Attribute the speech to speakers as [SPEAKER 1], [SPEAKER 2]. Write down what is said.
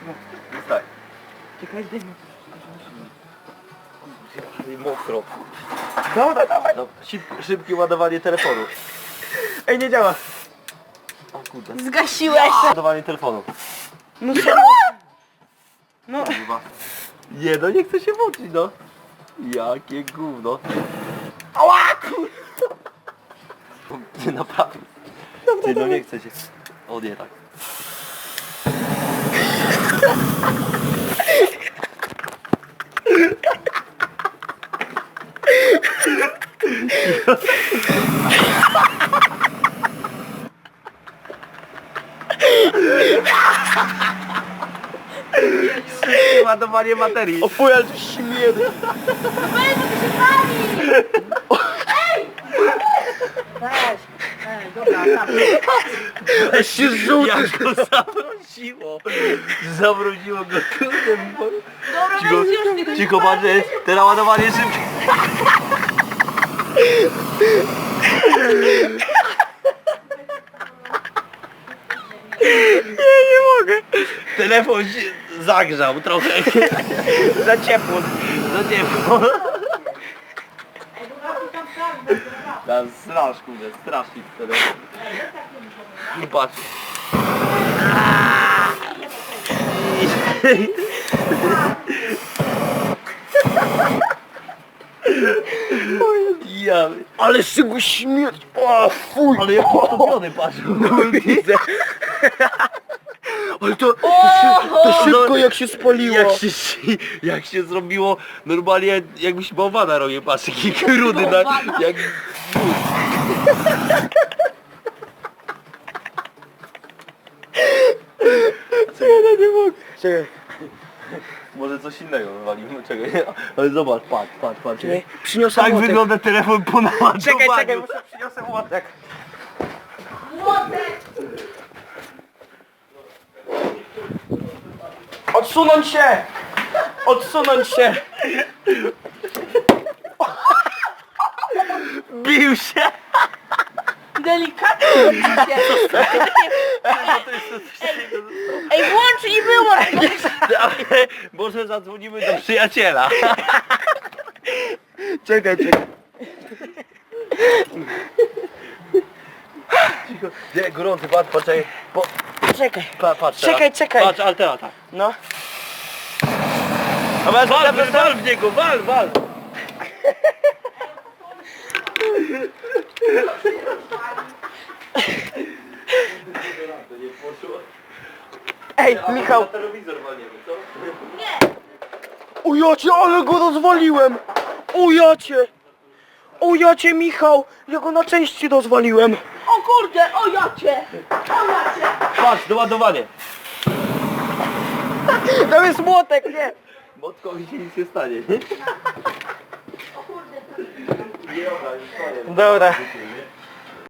[SPEAKER 1] Jest tak.
[SPEAKER 2] Czekaj, zdejmę.
[SPEAKER 1] Mokro.
[SPEAKER 2] Dobra, dawaj.
[SPEAKER 1] No, szybkie ładowanie telefonu.
[SPEAKER 2] Ej, nie działa.
[SPEAKER 1] O kurde.
[SPEAKER 3] Zgasiłeś!
[SPEAKER 1] Ładowanie telefonu.
[SPEAKER 2] No serio? No.
[SPEAKER 1] Kurwa. Nie no, nie chcę się włączyć no. Jakie gówno.
[SPEAKER 2] Ała, kur...
[SPEAKER 1] Ty naprawdę. Ty no nie chcę się. O nie tak. Ładowanie baterii.
[SPEAKER 2] O fuj, ale to śmieje.
[SPEAKER 3] Weź, bo ty się pali! Ej! Weź, dobra, tam.
[SPEAKER 2] Ej, się rzucisz.
[SPEAKER 1] Jak go zamroziło. Zamroziło go. Kurde mi powiem.
[SPEAKER 3] Dobra,
[SPEAKER 1] Cicho,
[SPEAKER 3] weź już, tylko
[SPEAKER 1] cicho
[SPEAKER 3] nie
[SPEAKER 1] patrzę. Teraz ładowanie szybkie.
[SPEAKER 2] Nie mogę.
[SPEAKER 1] Telefon się zagrzał trochę.
[SPEAKER 2] Za ciepło.
[SPEAKER 1] Za ciepło. Tam strasz, kurde, strasznie telefon. I patrz. Ja,
[SPEAKER 2] Ale się go śmieje. O fuj.
[SPEAKER 1] ale jak utopiony patrz.
[SPEAKER 2] Widzę. Ale to szybko jak się spaliło.
[SPEAKER 1] Jak się zrobiło normalnie jakbyś bałwana robił, patrz jaki rudy na, jak...
[SPEAKER 2] Ja nie mogę. Czekaj.
[SPEAKER 1] Może coś innego wywalimy, czekaj. Ale zobacz, patrz.
[SPEAKER 2] Czekaj. Przyniosę
[SPEAKER 1] Tak
[SPEAKER 2] młotek.
[SPEAKER 1] wygląda telefon po naładowaniu.
[SPEAKER 2] Czekaj, muszę przyniosę młotek.
[SPEAKER 3] Młotek!
[SPEAKER 2] Odsunąć się! Odsunąć się!
[SPEAKER 1] Bił się!
[SPEAKER 3] Delikatnie się. Ej, włącz i wyłącz!
[SPEAKER 1] Ale może zadzwonimy do przyjaciela.
[SPEAKER 2] Czekaj.
[SPEAKER 1] Cicho. Nie, gorący, patrz,
[SPEAKER 2] Czekaj.
[SPEAKER 1] patrz
[SPEAKER 2] Czekaj.
[SPEAKER 1] Patrz, ale teraz tak.
[SPEAKER 2] No.
[SPEAKER 1] Wal w niego, wal!
[SPEAKER 2] Ej, Michał.
[SPEAKER 1] Telewizor walniemy, co?
[SPEAKER 2] O jacie, ale go rozwaliłem! O jacie, Michał! Ja go na części rozwaliłem.
[SPEAKER 3] O kurde, o jacie!
[SPEAKER 1] Patrz, doładowanie.
[SPEAKER 2] Tam jest młotek, nie?
[SPEAKER 1] Motkowi się nic nie stanie, nie?
[SPEAKER 3] O kurde,
[SPEAKER 2] Dobra.
[SPEAKER 1] Nie,